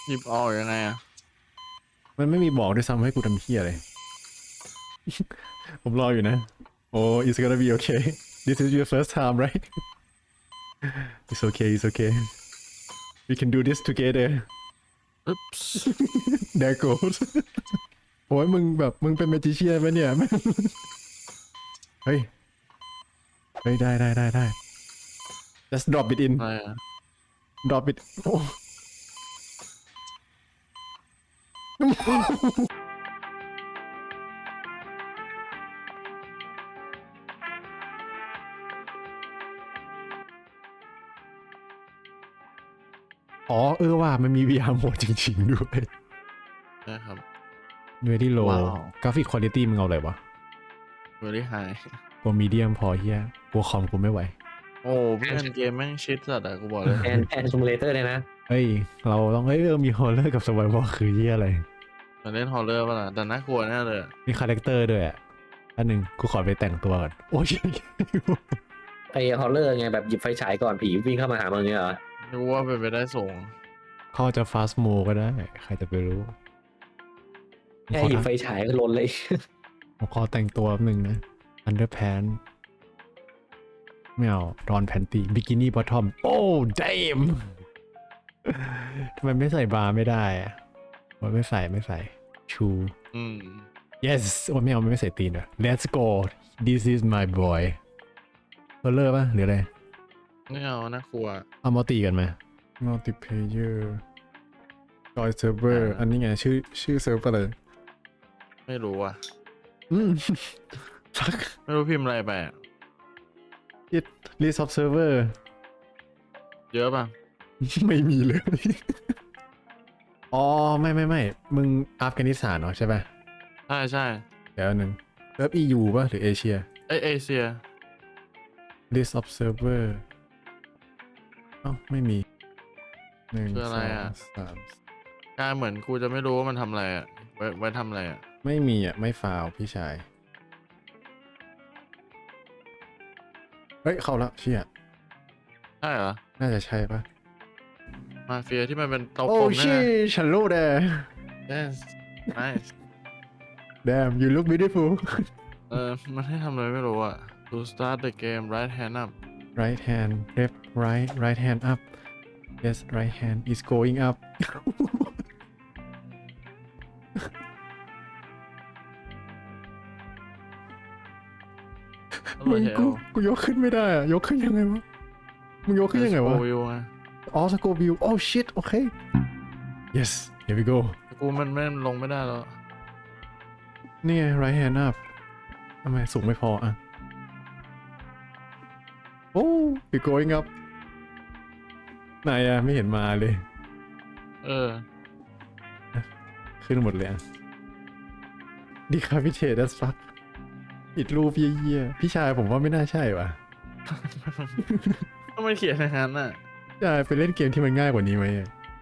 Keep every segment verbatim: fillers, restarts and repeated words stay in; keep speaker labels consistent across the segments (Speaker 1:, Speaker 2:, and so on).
Speaker 1: หยิบออกยังไงอ่ะ
Speaker 2: มันไม่มีบอกด้วยซ้ำให้กูทำเพี้ยอะไร ผมรออยู่นะโอ้ it's gonna be okay this is your first time right it's okay it's okay we can do this together
Speaker 1: อึ๊บ
Speaker 2: there goes โอ้ยมึงแบบมึงเป็นแมจิเชียนไหมเนี่ย เฮ้ยเฮ้ยได้ได้ได้ได้ just drop it in
Speaker 1: อะไรอ่ะ
Speaker 2: drop it โอ้อ๋อเออว่ามันมี วี อาร์ โหมดจริงๆด้วย
Speaker 1: ใช่ครับ
Speaker 2: very low
Speaker 1: ว้าว
Speaker 2: กราฟิกคุณภาพมึงเอาอะไรวะ
Speaker 1: very high
Speaker 2: กลัวมีเดียมพอเฮียกลัวคอมกูไม่ไหว
Speaker 1: โอ้เพื่อนเกมแม่งชิดสัตว์อะกูบอกเลย
Speaker 3: แอนแอนซูมเลเตอร์เลยนะ
Speaker 2: เฮ้ย เราต้องเฮ้ยเออมีฮอลเลอร์กับส u r ว i ลคือเฮียอะไร
Speaker 1: มันเล่นฮอลเลอร์ป่ะล่ะแต่น่ากลัวแน่เลยอะ
Speaker 2: มีคาแรคเตอร์ด้วยอ่ะอันหนึ่งกูขอไปแต่งตัวก่อน โอ้ย
Speaker 3: ไอฮอลเลอร์ไงแบบหยิบไฟฉายก่อนผีวิ่งเข้ามาหามึงเนี่ยเหรอ
Speaker 1: รู้ว่าเป็นไปได้สูง
Speaker 2: เขาจะฟาสโมก็ได้ ใครจะไปรู้
Speaker 3: แค่หยิบไฟฉายก็ลนเลย
Speaker 2: ผมขอแต่งตัวแป๊บนึงนะ underpants ไม่เอารอนแพนตีบิกินี่บอททอมโอ้ damn ทำไมไม่ใส่บาร์ไม่ได้อะว่าไม่ใส่ไม่ใส่ชู
Speaker 1: อืม
Speaker 2: yes โอ้ไม่เอาไม่ใส่ตีนอ่ะ let's go this is my boy เฮอร์เลอร์ป่ะหรืออะไร
Speaker 1: ไม่เอาน่ากลัว
Speaker 2: เอามาตีกันไหม multiplayer join server
Speaker 1: อ่า
Speaker 2: อันนี้ไงชื่อชื่อเซิร์ฟอะไร
Speaker 1: ไม่รู้อ่ะ
Speaker 2: อืม fuck
Speaker 1: ไม่รู้พิมพ์อะไรไปอะ
Speaker 2: it list of server
Speaker 1: เยอะป่ะ
Speaker 2: ไม่มีเลย อ๋อ ไม่ไม่ไม่มึงอัฟกานิสถานเนาะใช่ป่ะ
Speaker 1: ใช่ใช่
Speaker 2: เดี๋ยวหนึ่งเซิร์ฟ อี ยู ป่ะ หรือเอเชีย
Speaker 1: เอยเอเชีย
Speaker 2: list of server เอ้าไม่มีหนึ่ง
Speaker 1: คือ
Speaker 2: ส
Speaker 1: อะ
Speaker 2: อ
Speaker 1: ไรง อะ
Speaker 2: สาม
Speaker 1: กลายเหมือนกูจะไม่รู้ว่ามันทำอะไรอ่ะไว้ไว้ทำอะไรอ่ะ
Speaker 2: ไม่มีอ่ะ ไม่ฟาวพี่ชาย เฮ้ย เข้าแล้วเชี่ย
Speaker 1: ใช่เหรอ
Speaker 2: น่าจะใช่ป่ะ
Speaker 1: มาเฟียที่มันเป็นเตา
Speaker 2: โอ้
Speaker 1: กลม
Speaker 2: ชิ
Speaker 1: เนี่ยนะ
Speaker 2: ฉันรู้เด้
Speaker 1: yes nice
Speaker 2: damn you look beautiful
Speaker 1: เออมันให้ทำอะไรไม่รู้อ่ะ to start the game right hand up
Speaker 2: right hand left right right hand up yes right hand is going up มึงกูกูยกขึ้นไม่ได้อะยกขึ้นยังไงวะ มึงยกขึ้นยังไงวะ
Speaker 1: วิวไง
Speaker 2: อ๋อสโกวิว oh shit โอเค yes here we go
Speaker 1: กูมันไม่ลงไม่ได้แล้ว
Speaker 2: นี่ไง right hand up ทำไมสูงไม่พออ่ะ โอ้ you're going up ไหนอะไม่เห็นมาเลย
Speaker 1: เออ
Speaker 2: ขึ้นหมดเลยอะดีคาพิเทดัสฟักอิดรูปเยี่ยๆพี่ชายผมว่าไม่น่าใช่ว่ะ
Speaker 1: ก็ไม่เขียนอย่างนั้นน่ะ
Speaker 2: ใช่ไปเล่นเกมที่มันง่ายกว่านี้ไหมอะ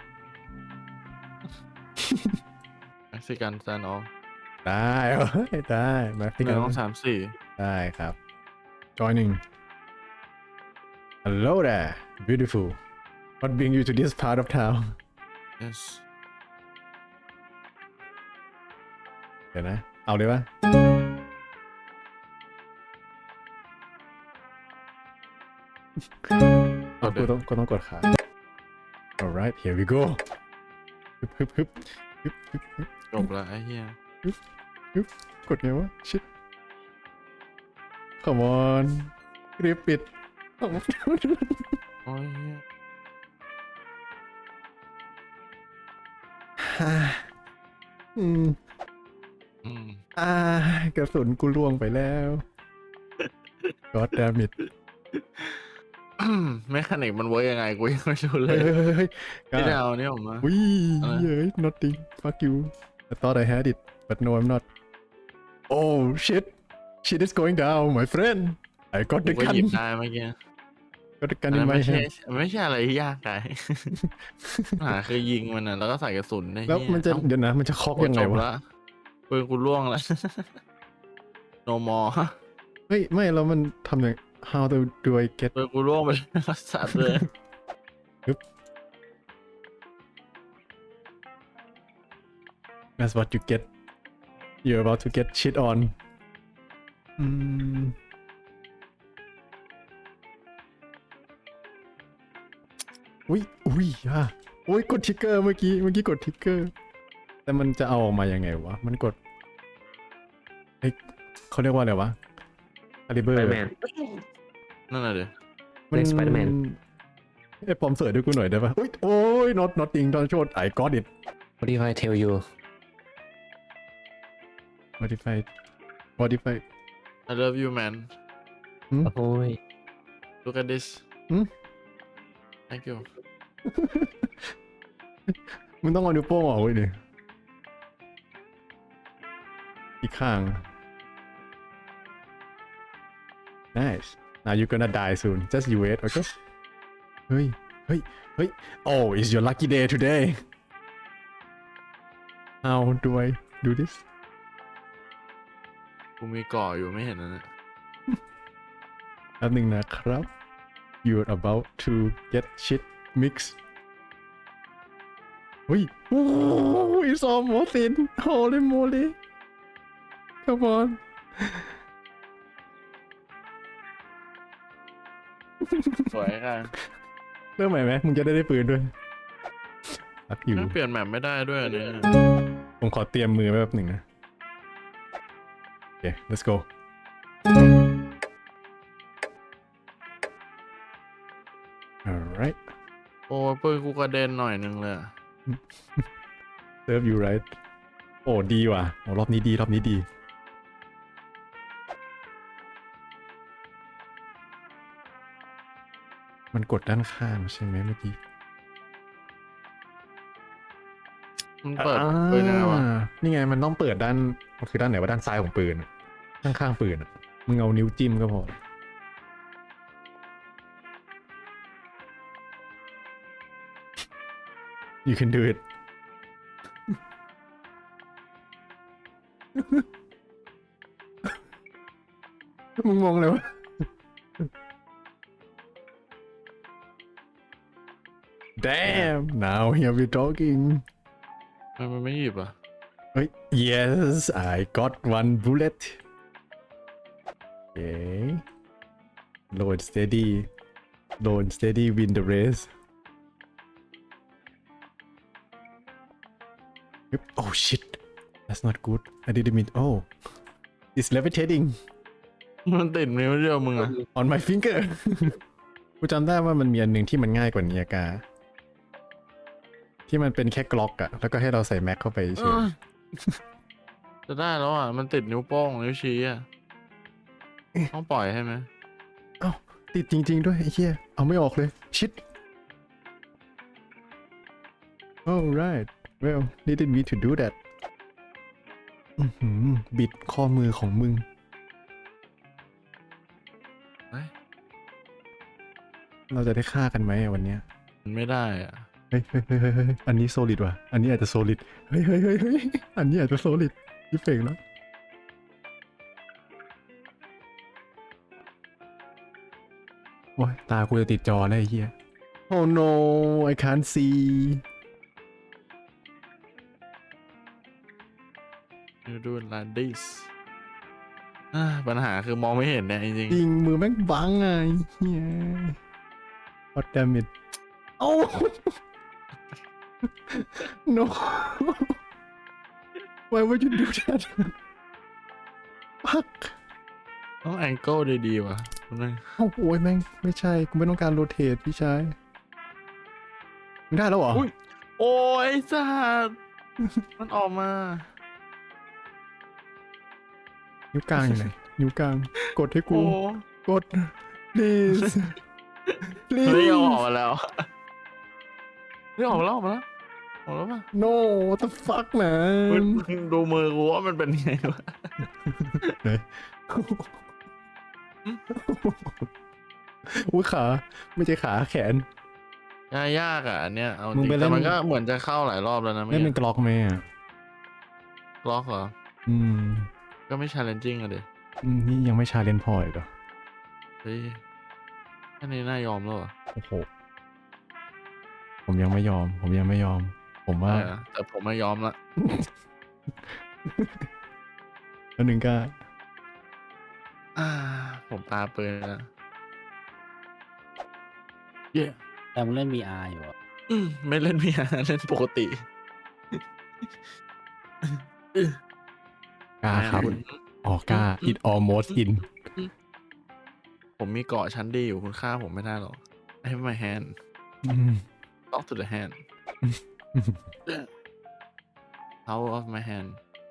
Speaker 1: เม็กซิกันแซนออฟ
Speaker 2: ได้เอ้ยได้มา
Speaker 1: ห
Speaker 2: พี่
Speaker 1: นึ่
Speaker 2: กั
Speaker 1: ง
Speaker 2: น
Speaker 1: สองสามสี่
Speaker 2: ได้ครับ joining hello there beautiful what bring you to this part of town
Speaker 1: yes
Speaker 2: เดี๋ยวนะ เอาเลยวะเอากูต้องกูต้องกดขา alright here we go ฮึบฮึบฮึบฮึบฮึบฮึบ
Speaker 1: จบละไอ้เหี้ย
Speaker 2: กดไงวะชิด come on รีบปิด
Speaker 1: โอ้ยเหี้ย
Speaker 2: อ่าอืม
Speaker 1: อืม
Speaker 2: อ่ากระสุนกูล่วงไปแล้ว God damn it
Speaker 1: แมคานิกมันเวิร์กยังไงกูยังไม่รู้เล
Speaker 2: เฮ้
Speaker 1: ย
Speaker 2: ยเฮ้ยเฮ้ยเฮ้ย
Speaker 1: ที่ดาวนี่ออกมา
Speaker 2: วิ
Speaker 1: อะไร
Speaker 2: เฮ้ย nothing fuck you I thought I had it but no I'm not oh shit shit is going down my friend I got
Speaker 1: กู
Speaker 2: the
Speaker 1: ก็
Speaker 2: gun
Speaker 1: หยิบได้เมื่อกี้
Speaker 2: got the
Speaker 1: อั
Speaker 2: gun
Speaker 1: น
Speaker 2: in
Speaker 1: นั้น
Speaker 2: my
Speaker 1: ไม่ใช่
Speaker 2: hand
Speaker 1: ไม่ใช่อะไรที่ยากไง หาคือยิงมันน่ะแล้วก็ใส่กระสุนไอ้
Speaker 2: แล้ว
Speaker 1: เหี้ย
Speaker 2: มันจะ
Speaker 1: เอ้า
Speaker 2: เดี๋ยวนะมันจะเคอกยังไง
Speaker 1: จบ
Speaker 2: วะ
Speaker 1: ละปืนกูล่วงแล้ว no more
Speaker 2: เฮ้ย ไม่แล้วมันทำยัง how do do I get
Speaker 1: ปืนกูล่วงไปแล้วสัตว์เลย
Speaker 2: ฮึบ that's what you get you're about to get shit on อืมอุ้ยอุ้ยอ่ะโอ้ยกดทิกเกอร์เมื่อกี้เมื่อกี้กดทิกเกอร์แต่มันจะเอาออกมายังไงวะมันกดเฮ้ยเขาเรียกว่าอะไรวะคาลิเบอร์
Speaker 3: ไบแมน
Speaker 1: นั่นแหละเดี๋ยว
Speaker 3: ใน Spider-Man
Speaker 2: ไอ้ปอมเสิร์ชด้วยกูหน่อยได้ปะอุ้ยโอ้ย not nothing ตอนโชด I got it
Speaker 3: What if I tell you
Speaker 2: modify modify
Speaker 1: I love you man
Speaker 3: โอ้ย
Speaker 1: look at this
Speaker 2: หืม
Speaker 1: thank you
Speaker 2: มึงต้องเอานิ้วโป้งออกเว้ยดิอีกข้าง nice now you're gonna die soon just you wait okay เฮ้ยเฮ้ยเฮ้ย oh it's your lucky day today how do I do this
Speaker 1: กูมีก่ออยู่ไม่เห็นนะเนี่ย
Speaker 2: แป๊บนึงนะครับ you're about to get shit mixed เฮ้ยโอ้ย it's almost in holy moly come on
Speaker 1: สวยกัน
Speaker 2: เริ่มใหม่ไหมมึงจะได้ได้ปืนด้วยรักอยู่
Speaker 1: ไม่เปลี่ยนแมปไม่ได้ด้วยอันเนี่ย
Speaker 2: ผมขอเตรียมมือไว้แป๊บหนึ่งนะ โอเค let's go alright
Speaker 1: โอ้ปืนกูกระเด็นหน่อยนึงเลยอะ
Speaker 2: serve you right โอ้ดีว่ะโอ้รอบนี้ดีรอบนี้ดี มันกดด้านข้างใช่ไหมเมื่อกี้
Speaker 1: มันเปิดปืนยังไงวะ
Speaker 2: อ่านี่ไงมันต้องเปิดด้านมันคือด้านไหนว่าด้านซ้ายของปืนอะข้างข้างๆปืนอะมึงเอานิ้วจิ้มก็พอ you can do it มึงมองเลยวะ damn now here we talking
Speaker 1: ทำไมมันไม่หยิบอ่ะ
Speaker 2: เฮ้ย yes I got one bullet okay low and steady low and steady win the race Yep. oh shit that's not good I didn't mean oh it's levitating
Speaker 1: มันติดนิ้วเดียวมึงอ่ะ
Speaker 2: on my finger กูจำได้ว่ามันมีอันหนึ่งที่มันง่ายกว่านี้อะกาที่มันเป็นแค่กล็อกอะแล้วก็ให้เราใส่แม็กเข้าไปเฉย
Speaker 1: จะได้แล้วอ่ะ มันติดนิ้วโป้งนิ้วชี้อ่ะ ต้องปล่อยให้ไหม
Speaker 2: เอ้าติดจริงๆด้วยไอ้เหี้ยเอาไม่ออกเลยชิด alright well didn't mean to do that อื้อหือบิดข้อมือของมึง
Speaker 1: เฮ้ย
Speaker 2: เราจะได้ฆ่ากันไหมอะวันเนี้ย
Speaker 1: มันไม่ได้อ่ะ
Speaker 2: เฮ้ยเฮ้ยเฮ้ยเฮ้ยเฮ้ยอันนี้โซลิดว่ะ อันนี้อาจจะโซลิด เฮ้ยเฮ้ยเฮ้ยเฮ้ยอันนี้อาจจะโซลิดยิ่เป่งแล้วโอ้ยตากูจะติดจอแล้วไอ้เหี้ย Oh no I can't see
Speaker 1: you do it like this อ่าปัญหาคือมองไม่เห็นเนี่ยจริง
Speaker 2: จริงมือแม่งบังไงเฮีย God damn it โอ้ no why would you do that fuck
Speaker 1: ๆต้องแองเกิลดีๆว่ะนั่น
Speaker 2: เอ้าโอ้ยแม่งไม่ใช่กูไม่ต้องการโรเทตพี่ชายมึงได้แล้วเหรอ
Speaker 1: อุ๊ย โอ้ยสัตว์มันออกมา
Speaker 2: นิ้วกลางอยู่ไหนนิ้วกลางกดให้กู
Speaker 1: โอ้
Speaker 2: กด please
Speaker 1: เฮ้ย
Speaker 2: please
Speaker 1: เอาออกมาแล้วเฮ้ยออกมาแล้วออกมาแล้วออกแล้วป่ะ
Speaker 2: no what the fuck
Speaker 1: เฮ้ย
Speaker 2: man
Speaker 1: มึงดูมือกูว่ามันเป็นไงวะ
Speaker 2: ไหนอุ้ยขาไม่ใช่ขาแขน
Speaker 1: ยากยากอ่ะอันเนี้ยเอาจ
Speaker 2: มึ
Speaker 1: ริ
Speaker 2: ง
Speaker 1: ง
Speaker 2: ไปเล่
Speaker 1: แต่
Speaker 2: น
Speaker 1: มันก็เหมือนจะเข้าหลายรอบแล้วนะไม่
Speaker 2: เล่นเป็นกล็อกไหมอ่ะ
Speaker 1: ล็อกเหรอ
Speaker 2: อืม
Speaker 1: ก็ไม่ challenging อะเดี๋ยว
Speaker 2: อืมนี่ยังไม่ชาเลนจ์พออีกเหรอ
Speaker 1: เฮ้ยแค่นี้น่ายอมแล้วเหรอ
Speaker 2: โอ้โห ผมยังไม่ยอม ผมยังไม่ยอม ผมว่า
Speaker 1: ใช่เหรอแต่ผมไม่ยอมละ
Speaker 2: แล้วหนึ่งก็
Speaker 1: อ่าผมตาเปิดแล้วเย้
Speaker 4: แต่มึงเล่น วี อาร์ อยู่อะ
Speaker 1: อืมไม่เล่นพีอาร์เล่นปกติอื้อก
Speaker 2: ล้าครับ
Speaker 1: คุณ
Speaker 2: ออกกล้า it almost in
Speaker 1: ผมมีเกาะชั้นดีอยู่คุณฆ่าผมไม่ได้หรอกให้ my hand
Speaker 2: อืม
Speaker 1: talk to the hand power of my hand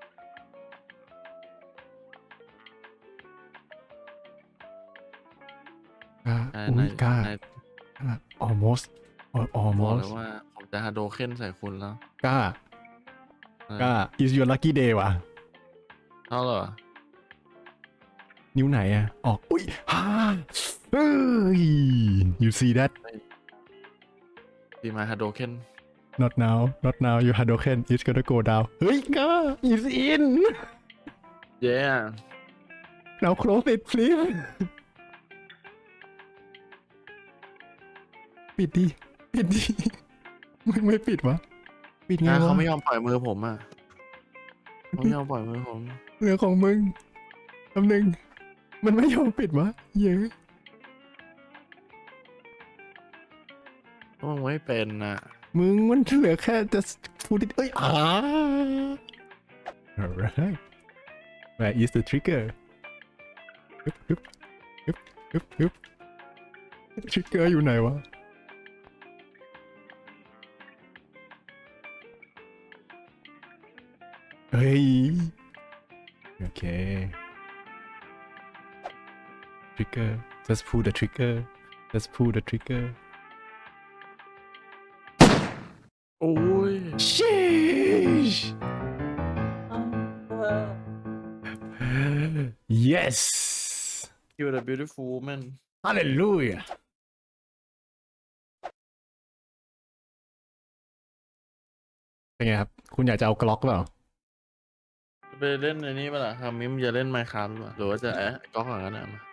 Speaker 2: กล้า
Speaker 1: ใช่
Speaker 2: อุ้
Speaker 1: นาย ย
Speaker 2: กล้าน
Speaker 1: าย
Speaker 2: กล้า almost
Speaker 1: บอก
Speaker 2: almost
Speaker 1: เลยว่าผมจะฮาโดเคนใส่คุณแล้ว
Speaker 2: กล้า
Speaker 1: เออก
Speaker 2: ล้า is your lucky day ว่ะ
Speaker 1: เท่าเหรอ
Speaker 2: นิ้วไหนอะออก อุ้ยฮ่าเฮ้ย you see that
Speaker 1: ดีมาฮาโดเคน
Speaker 2: not now not now you Hadoken it's gonna go down เฮ้ยกล้า is in
Speaker 1: เย้
Speaker 2: now close it please ปิดดิ ปิดดิ มึงไม่ปิดวะ ปิดไง
Speaker 1: อ่ะเขา
Speaker 2: วะ
Speaker 1: ไม่ยอมปล่อยมือผมอ่ะเขาไม่ยอมปล่อยมือผม
Speaker 2: เรื่องของมึงคำหนึ่งมันไม่ยอมปิดวะเยอะ
Speaker 1: เพราะมึงไม่เป็นอ่ะ
Speaker 2: มึงมันเหลือแค่จะพูดเอ้ยอ่า alright where is the trigger ฮึบฮึบฮึบฮึบฮึบ trigger อยู่ไหนวะเฮ้ยโอเค trigger just pull the trigger just pull the trigger
Speaker 1: โอ้ย
Speaker 2: sheesh yes
Speaker 1: you're a beautiful woman
Speaker 2: hallelujah เป็นไงครับ คุณอยากจะเอากล็อกเปล่า
Speaker 1: ไปเล่นในนี้ป่ะล่ะคามิมจะเล่นไมค์ครับหรือเปล่าหรือว่าจะแอะก๊อกก่อนกันนะมา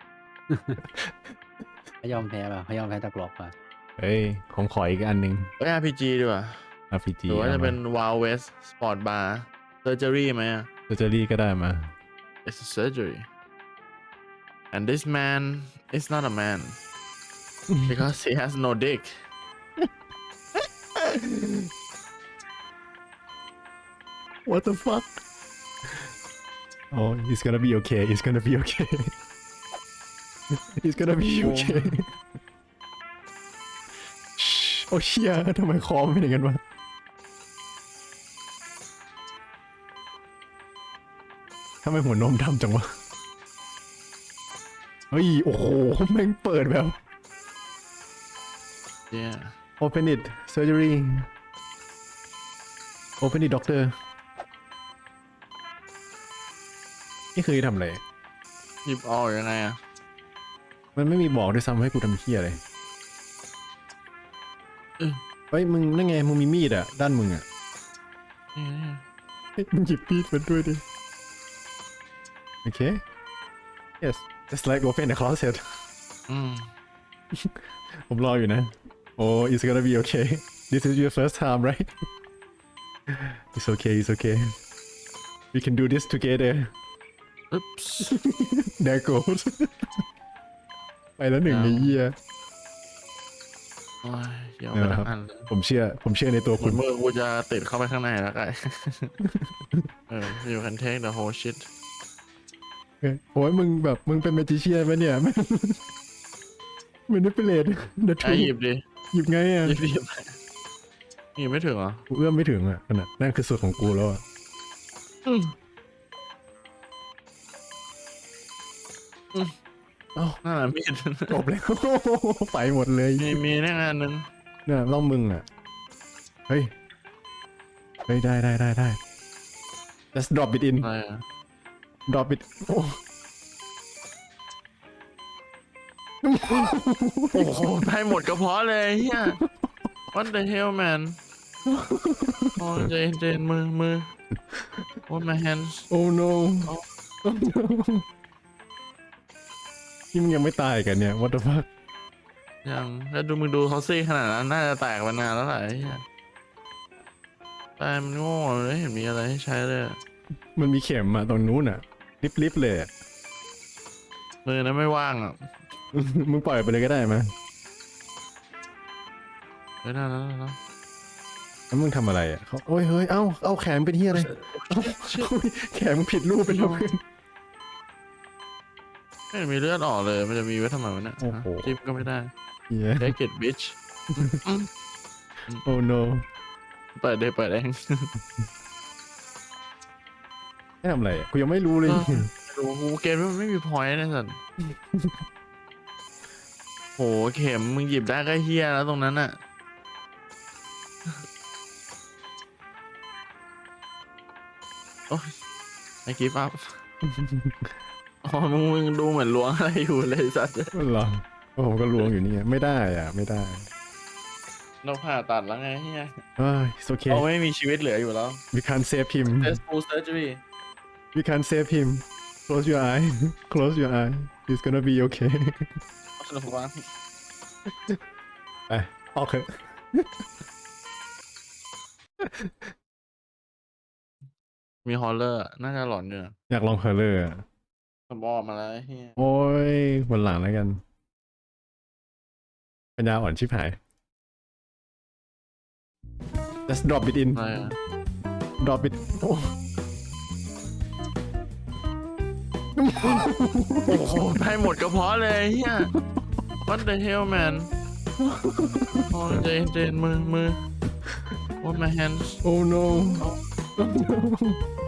Speaker 4: เขายอมแพ้ป่ะเขายอมแพ้จากล็อกป่ะ
Speaker 2: เฮ้ยผมขออีกอันหนึ่ง
Speaker 1: เอ้ย อาร์ พี จี ดีกว่า
Speaker 2: อาร์ พี จี
Speaker 1: หรือว่าจะเป็น Wild West Sport Bar Surgery ไหมอะ
Speaker 2: เซอร์เจอรี่ก็ได้มา
Speaker 1: It's a surgery and this man is not a man because he has no dick
Speaker 2: What the fuck Oh it's gonna be okay it's gonna be okay it's gonna be okay โอ้เชี่ยทำไมคอมเป็นอย่างนั้นวะทำไมหัวนมดำจังวะ เฮ้ย โอ้โห แม่งเปิดแบบ
Speaker 1: yeah
Speaker 2: Open it surgery Open it doctor นี่คือทำอะไร
Speaker 1: หยิบออกยังไงอะ
Speaker 2: มันไม่มีบอกด้วยซ้ำให้กูทำเหี้ยอะไรเฮ้ย มึงนั่นไง มึงมีมีดอะด้านมึงอะ
Speaker 1: นี่นี่
Speaker 2: เฮ้ยมึงหยิบมีดมาด้วยดิ โอเค yes just like open the closet
Speaker 1: อืม
Speaker 2: ผมรออยู่นะ Oh it's gonna be okay this is your first time right it's okay it's okay we can do this together
Speaker 1: Oops
Speaker 2: there goes ไปแล้วหนึ่งในเยี่ย
Speaker 1: โอ้ยเดี๋ยว
Speaker 2: เอ
Speaker 1: ไป
Speaker 2: อครั
Speaker 1: ทั้
Speaker 2: บ
Speaker 1: งอันเลย
Speaker 2: ผมเชื่อ ผมเชื่อในตัว
Speaker 1: คุ
Speaker 2: คุณ ณ
Speaker 1: มือกูจะติดเข้าไปข้างในแล้วไง เออ you can take the whole shit
Speaker 2: โอ้ยมึงแบบมึงเป็นแมจิเชียนไหมเนี่ย มันไม่เป็นเลดเดี๋ยว
Speaker 1: ไอ้หยิบดิ
Speaker 2: หยิบไงอ่ะ
Speaker 1: หยิบดิหยิบหยิบไม่ถึงเหรอ
Speaker 2: กูเอื้อมไม่ถึงอ่ะขนาดนั่นคือส่วนของกูแล้วอ่ะ
Speaker 1: อืม
Speaker 2: เอ้า
Speaker 1: นั่นแหละมีด
Speaker 2: จบแล้ว ไปหมดเลย
Speaker 1: มีมีแน่งานหนึ่ง
Speaker 2: เนี่ยล่องมึงอ่ะ เฮ้ย เฮ้ย ได้ได้ได้ได้ let's drop it in
Speaker 1: อะไรอะ
Speaker 2: drop it โอ้
Speaker 1: โอ้โหให้หมดกระเพาะเลยเฮีย What the hell man โอ้เจนเจนมือมือ What my hands
Speaker 2: โอ้ no
Speaker 1: เอา
Speaker 2: Oh no นี่มึงยังไม่ตายกันเนี่ย what the fuck
Speaker 1: ยังแล้วดูมึงดูเขาซี่ขนาดนั้นน่าจะแตกไปนานแล้วแหละไอ้เฮียตายมันโง่เลยไม่เห็นมีอะไรให้ใช้เลยอะ
Speaker 2: มันมีเข็มอะตรงนู้นอะลิบๆเลยอะ
Speaker 1: มือนั้นไม่ว่างอ่ะ
Speaker 2: มึงปล่อยไปเลยก็ได้มั้ย
Speaker 1: เฮ้ยนั่นนั่นนั่น
Speaker 2: แล้วมึงทำอะไรอะเขาโอ้ยเฮ้ยเอ้าเอาแขนเป็นที่อะไรเอ้าแขนมึงผิดรูปไปแล้วเพื่อน
Speaker 1: ไม่มีเลือดออกเลยมันจะมีไว้ทำไมวะเนี่ย
Speaker 2: โอ้โห
Speaker 1: จิ้มก็ไม่ได้
Speaker 2: เหี้ย
Speaker 1: ได้เก็ตบิช
Speaker 2: โอ้ no
Speaker 1: เปิดได้เปิดเอง
Speaker 2: ให้ทำอะไรอะกูยังไม่รู้เลย
Speaker 1: เออ ดูกูเกมนี้มันไม่มีพอยต์นะสันโหเข็มมึงหยิบได้ก็เฮียแล้วตรงนั้นอ่ะโอ้ยไอ้กิฟต์อัพอ๋อมึงมึงดูเหมือนล้วงอะไรอยู่เลยสัตว์
Speaker 2: เหรอโอ้ผมก็ลวงอยู่นี่ไงไม่ได้อ่ะไม่ได้
Speaker 1: เราผ่าตัดแล้วไงเฮีย
Speaker 2: เอ้ย it's okay
Speaker 1: เราไม่มีชีวิตเหลืออยู่แล้ว
Speaker 2: we can't save him
Speaker 1: successful surgery
Speaker 2: we can't save him close your eye close your eye he's gonna be okay
Speaker 1: สนุกว่าง
Speaker 2: ไปออกเถอะ
Speaker 1: มีฮอลเลอร์น่าจะหลอนอยู่นะ
Speaker 2: อยากลองเพลเลอร์อะ
Speaker 1: สมบอกมาแล้วไอ้เฮีย
Speaker 2: โอ้ยวันหลังแล้วกันปัญญาอ่อนชิบหาย just drop it in
Speaker 1: อะไรอะ
Speaker 2: drop it โอ้
Speaker 1: โอ้โหได้หมดกระเพาะเลยเฮีย What the hell man โอ้ยเจนเจนมือมือ What my hands
Speaker 2: oh no oh no